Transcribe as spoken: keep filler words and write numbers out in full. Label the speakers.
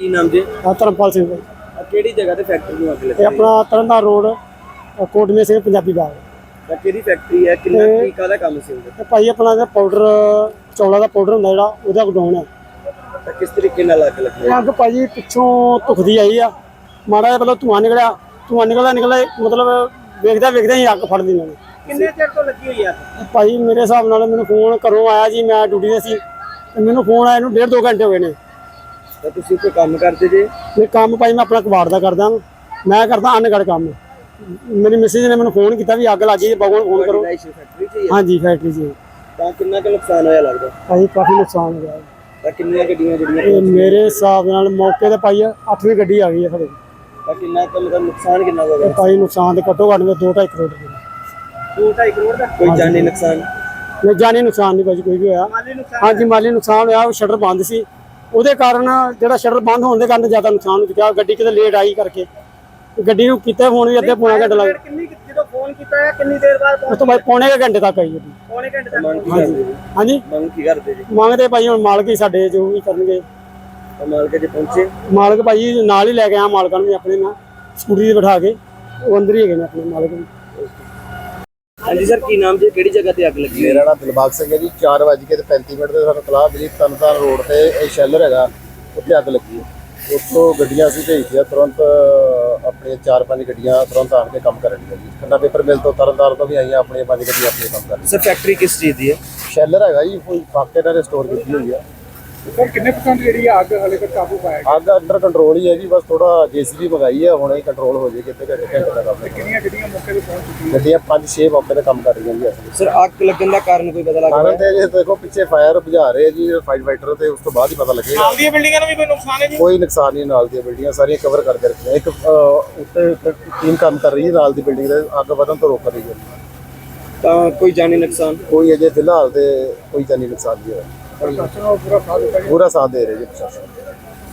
Speaker 1: ਕੀ ਨਾਮ ਜੀ?
Speaker 2: ਧਰਮਪਾਲ ਸਿੰਘ ਭਾਈ।
Speaker 1: ਆ ਕਿਹੜੀ ਜਗ੍ਹਾ ਤੇ ਫੈਕਟਰੀ ਨੂੰ ਅੱਗ ਲੱਗੀ?
Speaker 2: ਇਹ ਆਪਣਾ ਤਰਨਤਾਰਨ ਰੋਡ ਕੋਟਮੇ ਸਿੰਘ ਪੰਜਾਬੀ ਬਾਗ।
Speaker 1: ਤਾਂ ਕਿਹੜੀ ਫੈਕਟਰੀ ਹੈ? ਕਿੰਨਾ
Speaker 2: ਇਹ-
Speaker 1: ਤਰੀਕਾ ਦਾ ਕੰਮ ਸੀ ਉਹਦਾ?
Speaker 2: ਤੇ ਭਾਈ ਆਪਣਾ ਇਹਦਾ ਪਾਊਡਰ ਚੌਲਾਂ ਦਾ ਪਾਊਡਰ ਹੁੰਦਾ ਜਿਹੜਾ ਉਹਦਾ ਗਡਾਉਣ ਹੈ।
Speaker 1: ਤਾਂ ਕਿਸ ਤਰੀਕੇ ਨਾਲ ਅੱਗ ਲੱਗੀ?
Speaker 2: ਇਹ ਅੱਗ ਭਾਈ ਪਿੱਛੋਂ ਧੁਖਦੀ ਆਈ ਆ, ਮਾੜਾ ਜਿਹਾ ਪਹਿਲਾਂ ਧੂੰਆਂ ਨਿਕਲਿਆ, ਧੂੰਆਂ ਨਿਕਲਦਾ ਨਿਕਲਦਾ ਮਤਲਬ ਵੇਖਦਾ ਵੇਖਦਾ ਹੀ ਅੱਗ ਫੜ ਲਈ ਉਹਨਾਂ ਨੇ।
Speaker 1: ਕਿੰਨੇ ਚਿਰ ਤੋਂ ਲੱਗੀ ਹੋਈ ਆ?
Speaker 2: ਭਾਈ ਮੇਰੇ ਹਿਸਾਬ ਨਾਲ ਮੈਨੂੰ ਫੋਨ ਘਰੋਂ ਆਇਆ ਜੀ, ਮੈਂ ਡਿਊਟੀ ਤੇ ਸੀ ਤੇ ਮੈਨੂੰ ਫੋਨ ਆਇਆ ਨੂੰ ਡੇਢ ਦੋ ਘੰਟੇ ਹੋ ਗਏ ਨੇ।
Speaker 1: ਤਾਂ ਤੁਸੀਂ ਕੋਈ ਕੰਮ ਕਰਦੇ ਜੇ?
Speaker 2: ਇਹ ਕੰਮ ਭਾਈ ਮੈਂ ਆਪਣਾ ਕਬਾੜ ਦਾ ਕਰਦਾ, ਮੈਂ ਕਰਦਾ ਅਨਗੜ ਕੰਮ। ਮੇਰੀ ਮਿਸਿਸ ਨੇ ਮੈਨੂੰ ਫੋਨ ਕੀਤਾ ਵੀ ਅੱਗ ਲੱਗ ਗਈ, ਬਾਬੂ ਨੂੰ ਫੋਨ ਕਰੋ।
Speaker 1: ਫੈਕਟਰੀ 'ਚ ਹੀ ਹੈ?
Speaker 2: ਹਾਂਜੀ ਫੈਕਟਰੀ 'ਚ।
Speaker 1: ਤਾਂ ਕਿੰਨਾ ਕੁ ਨੁਕਸਾਨ ਹੋਇਆ ਲੱਗਦਾ?
Speaker 2: ਭਾਈ ਕਾਫੀ ਨੁਕਸਾਨ ਹੋ ਗਿਆ।
Speaker 1: ਤਾਂ ਕਿੰਨੀਆਂ ਗੱਡੀਆਂ ਜਿਹੜੀਆਂ
Speaker 2: ਇਹ ਮੇਰੇ ਹਿਸਾਬ ਨਾਲ ਮੌਕੇ ਤੇ ਭਾਈ ਅੱਠਵੀਂ ਗੱਡੀ ਆ ਗਈ ਹੈ ਸਾਡੇ।
Speaker 1: ਤਾਂ ਕਿੰਨਾ ਕੁ ਮਤਲਬ ਨੁਕਸਾਨ ਕਿੰਨਾ ਹੋ
Speaker 2: ਇਹ
Speaker 1: ਗਿਆ?
Speaker 2: ਭਾਈ ਨੁਕਸਾਨ ਤੇ ਘੱਟੋ ਘੱਟ ਦੋ ਢਾਈ ਕਰੋੜ ਰੁਪਏ।
Speaker 1: ਦੋ ਢਾਈ ਕਰੋੜ ਦਾ? ਕੋਈ ਜਾਨੀ ਨੁਕਸਾਨ?
Speaker 2: ਨਹੀਂ ਜਾਨੀ ਨੁਕਸਾਨ ਨਹੀਂ ਭਾਜੀ ਕੋਈ ਵੀ ਹੋਇਆ।
Speaker 1: ਮਾਲੀ ਨੁਕਸਾਨ?
Speaker 2: ਹਾਂਜੀ ਮਾਲੀ ਨੁਕਸਾਨ ਹੋਇਆ, ਉਹ ਸ਼ਟਰ ਬੰਦ ਸੀ, ਉਹਦੇ ਕਾਰਨ ਜਿਹੜਾ ਸ਼ਟਰ ਬੰਦ ਹੋਣ ਦੇ ਕਾਰਨ ਜ਼ਿਆਦਾ ਨੁਕਸਾਨ ਹੋ ਚੁੱਕਿਆ। ਗੱਡੀ ਕਿਤੇ ਲੇਟ ਆਈ ਕਰਕੇ ਗੱਡੀ ਨੂੰ ਕੀਤਾ ਫੋਨ ਵੀ ਅੱਧੇ ਪੌਣਾ ਘੰਟਾ ਲੱਗ ਗਿਆ।
Speaker 1: ਕਿੰਨੀ ਜਦੋਂ ਫੋਨ ਕੀਤਾ ਹੈ ਕਿੰਨੀ ਦੇਰ ਬਾਅਦ?
Speaker 2: ਉਸ ਤੋਂ ਬਾਅਦ ਪੌਣੇ ਕੁ ਘੰਟੇ ਤੱਕ ਆਈ ਗੱਡੀ।
Speaker 1: ਪੌਣੇ ਘੰਟੇ ਤੱਕ?
Speaker 2: ਹਾਂਜੀ ਹਾਂਜੀ
Speaker 1: ਮੰਗ ਕੀ ਕਰਦੇ ਜੀ?
Speaker 2: ਮੰਗਦੇ ਭਾਈ ਹੁਣ ਮਾਲਕ ਹੀ ਸਾਡੇ ਜੋ ਵੀ ਕਰਨਗੇ।
Speaker 1: ਤਾਂ ਮਾਲਕ ਜੇ ਪਹੁੰਚੇ?
Speaker 2: ਮਾਲਕ ਭਾਈ ਨਾਲ ਹੀ ਲੈ ਕੇ ਆਇਆ ਮਾਲਕਾਂ ਨੂੰ ਵੀ ਆਪਣੇ ਨਾਲ ਸਕੂਟਰੀ ਤੇ ਬਿਠਾ ਕੇ, ਉਹ ਅੰਦਰ ਹੀ ਹੈਗੇ ਨੇ ਆਪਣੇ ਮਾਲਕ ਵੀ।
Speaker 1: ਹਾਂਜੀ ਸਰ, ਕੀ ਨਾਮ ਜੀ? ਕਿਹੜੀ ਜਗ੍ਹਾ ਤੇ ਅੱਗ ਲੱਗੀ?
Speaker 3: ਮੇਰਾ ਨਾਮ ਦਿਲਬਾਗ ਸਿੰਘ ਹੈ ਜੀ। ਚਾਰ ਵੱਜ ਕੇ ਤੇ ਪੈਂਤੀ ਮਿੰਟ ਤੇ ਸਾਨੂੰ ਤਲਾਹ ਮਿਲੀ ਤਰਨਤਾਰਨ ਰੋਡ ਤੇ ਇਹ ਸ਼ੈਲਰ ਹੈਗਾ, ਉੱਥੇ ਅੱਗ ਲੱਗੀ ਹੈ। ਉੱਥੋਂ ਗੱਡੀਆਂ ਅਸੀਂ ਭੇਜੀਆਂ ਤੁਰੰਤ, ਆਪਣੀਆਂ ਚਾਰ ਪੰਜ ਗੱਡੀਆਂ ਤੁਰੰਤ ਆਣ ਕੇ ਕੰਮ ਕਰਨ ਦੀਆਂ ਜੀ। ਖੰਨਾ ਪੇਪਰ ਮਿਲ ਤੋਂ ਤਰਨਤਾਰਨ ਤੋਂ ਵੀ ਆਈਆਂ, ਆਪਣੀਆਂ ਪੰਜ ਗੱਡੀਆਂ ਆਪਣੇ ਕੰਮ ਕਰ ਰਹੀਆਂ।
Speaker 1: ਸਰ ਫੈਕਟਰੀ ਕਿਸ ਚੀਜ਼ ਦੀ ਹੈ?
Speaker 3: ਸ਼ੈਲਰ ਹੈਗਾ ਜੀ, ਕੋਈ ਫਾਕੇ ਨਾਲ ਸਟੋਰ ਕੀਤੀ ਹੋਈ ਆ।
Speaker 4: ਸਰ ਕਿੰਨੇ ਪਰਸੈਂਟ ਜਿਹੜੀ ਆ ਅੱਗ ਹਲੇ ਤੱਕ ਕਾਬੂ ਪਾਇਆ ਗਿਆ?
Speaker 3: ਅੱਗ ਅੰਡਰ ਕੰਟਰੋਲ ਹੀ ਹੈ ਜੀ, ਬਸ ਥੋੜਾ ਜੇਸੀਬੀ ਮੰਗਾਈ ਹੈ, ਹੁਣੇ ਕੰਟਰੋਲ ਹੋ ਜਾਏ ਕਿਤੇ ਘੰਟੇ ਘੰਟੇ ਦਾ ਕੰਮ ਹੈ।
Speaker 4: ਕਿੰਨੀਆਂ ਗੱਡੀਆਂ ਮੌਕੇ ਤੇ ਪਹੁੰਚ ਚੁੱਕੀਆਂ?
Speaker 3: ਗੱਡੀਆਂ ਪੰਜ ਛੇ ਮੌਕੇ ਤੇ ਕੰਮ ਕਰ ਰਹੀਆਂ ਜੀ ਅਸਲ
Speaker 1: ਸਰ ਅੱਗ ਲੱਗਣ ਦਾ ਕਾਰਨ ਕੋਈ ਪਤਾ ਲੱਗ
Speaker 3: ਕਾਰਨ
Speaker 1: ਰਿਹਾ?
Speaker 3: ਤੇ ਜੇ ਦੇਖੋ ਪਿੱਛੇ ਫਾਇਰ ਬੁਝਾ ਰਹੇ ਜੀ ਫਾਈਟ ਫਾਈਟਰ, ਤੇ ਉਸ ਤੋਂ ਬਾਅਦ ਹੀ ਪਤਾ ਲੱਗੇਗਾ।
Speaker 4: ਨਾਲ ਦੀਆਂ ਬਿਲਡਿੰਗਾਂ ਨੂੰ ਵੀ ਕੋਈ ਨੁਕਸਾਨ ਹੈ ਜੀ?
Speaker 3: ਕੋਈ ਨੁਕਸਾਨ ਨਹੀਂ, ਨਾਲ ਦੀਆਂ ਬਿਲਡਿੰਗਾਂ ਸਾਰੀਆਂ ਕਵਰ ਕਰਕੇ ਰੱਖੀਆਂ। ਇੱਕ ਅਹ, ਉੱਤੇ ਟੀਮ ਕੰਮ ਕਰ ਰਹੀ ਹੈ ਨਾਲ ਦੀ ਬਿਲਡਿੰਗ ਦੇ, ਅੱਗ ਵਧਣ ਤੋਂ ਰੋਕ ਰਹੀ ਹੈ।
Speaker 1: ਤਾਂ ਕੋਈ ਜਾਨੀ ਨੁਕਸਾਨ?
Speaker 3: ਕੋਈ ਅਜੇ ਫਿਲਹਾਲ ਤੇ ਕੋਈ ਜਾਨੀ ਨੁਕਸਾਨ ਨਹੀਂ ਹੋਇਆ।
Speaker 4: ਪ੍ਰਸ਼ਾਸਨ ਨੂੰ ਪੂਰਾ ਸਾਥ ਦਿੱਤਾ ਗਿਆ।
Speaker 3: ਪੂਰਾ ਸਾਥ ਦੇ ਰਹੇ ਜੀ ਪ੍ਰਸ਼ਾਸਨ।